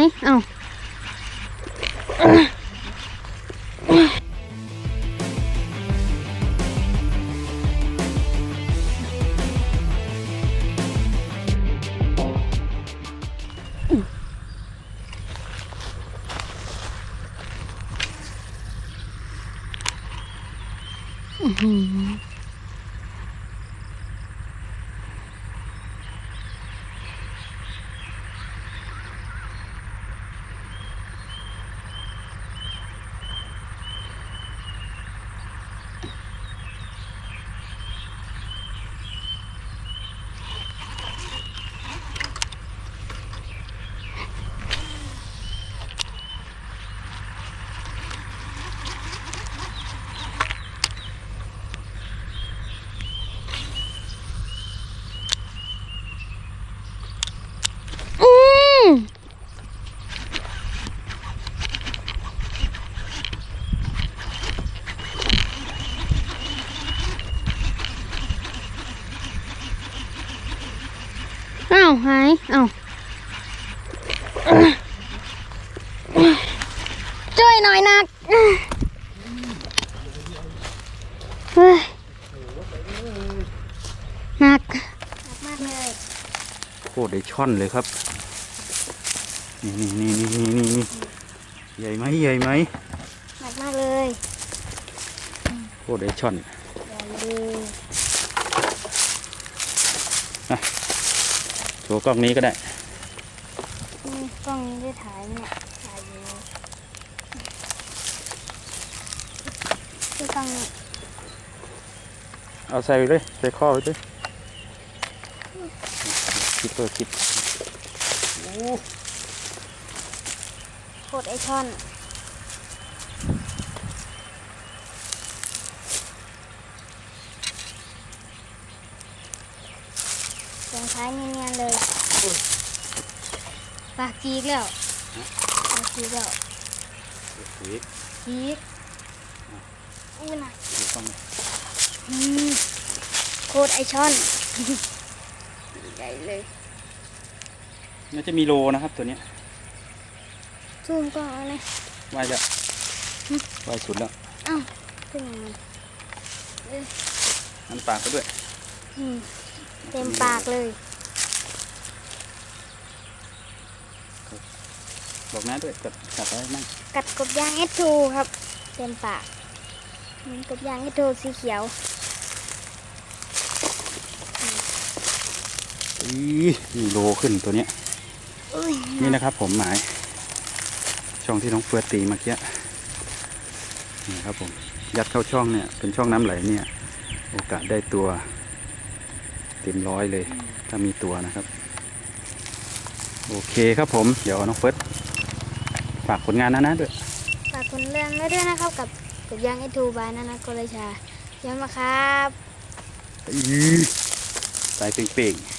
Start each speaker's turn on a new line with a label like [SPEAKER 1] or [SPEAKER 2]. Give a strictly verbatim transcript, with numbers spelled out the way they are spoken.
[SPEAKER 1] เอ้าอือหืออืมเอ้าหายเอ้าช่วยหน่อยนักเฮ้ยหนักมากเลย
[SPEAKER 2] โคตรได้ช่อนเลยครับนี่นี่นี่นี่นี่นี่ใหญ่ไหมใหญ่ไหม
[SPEAKER 1] หนักมากเลย
[SPEAKER 2] โคตรได้ช่อน
[SPEAKER 1] ใหญ่เลย
[SPEAKER 2] โชว์กล้องนี้ก็ได้
[SPEAKER 1] นี่กล้องนี้ได้ถ่ายเนี่ยถ่ายอยู่ที่กล้องนี้
[SPEAKER 2] เอาใส่ไปเลยใส่ข้อไปเลยคิดตัวคิด
[SPEAKER 1] โคตรไอช่อนตรงท้ายเนียนๆเลยปากจีกแล้วปากจีกแล้ว
[SPEAKER 2] อีก
[SPEAKER 1] จีกอู้หนัก
[SPEAKER 2] ดูกล้อง
[SPEAKER 1] อืมโคตรไอช่อน ใหญ่เลย
[SPEAKER 2] น่าจะมีโลนะครับตัวเนี้ย
[SPEAKER 1] ซูมกล้องเอาเลย
[SPEAKER 2] ว่ายแล้วว่ายสุดแล้ว
[SPEAKER 1] อ้าวขึ้นมามันเอ้ย
[SPEAKER 2] น้ำปากก็ด้วย
[SPEAKER 1] อืมเต็มปากเลย
[SPEAKER 2] บอกน้าด้วยกัดกัดไว้มั่ง
[SPEAKER 1] กัดกบยางเอสทูครับ เต็มปากเหมือนกบยางเอสทูสีเขียว
[SPEAKER 2] อีมีโลขึ้นตัวเนี้ย
[SPEAKER 1] อุ้ย
[SPEAKER 2] นี่นะครับผมหมาย ช่องที่น้องเฟื่อตีเมื่อกี้นี่ครับผมยัดเข้าช่องเนี่ยเป็นช่องน้ำไหลเนี่ยโอกาสได้ตัวเต็มร้อยเลยถ้ามีตัวนะครับโอเคครับผมเดี๋ยวน้องเฟิร์สฝากผลงานนะนะด้วย
[SPEAKER 1] ฝากคนเรื่องไว้ด้วยนะครับกับกบยางเอสทูบายนานาโกเลชาย้ำมาครับ
[SPEAKER 2] อีสายเป่งๆ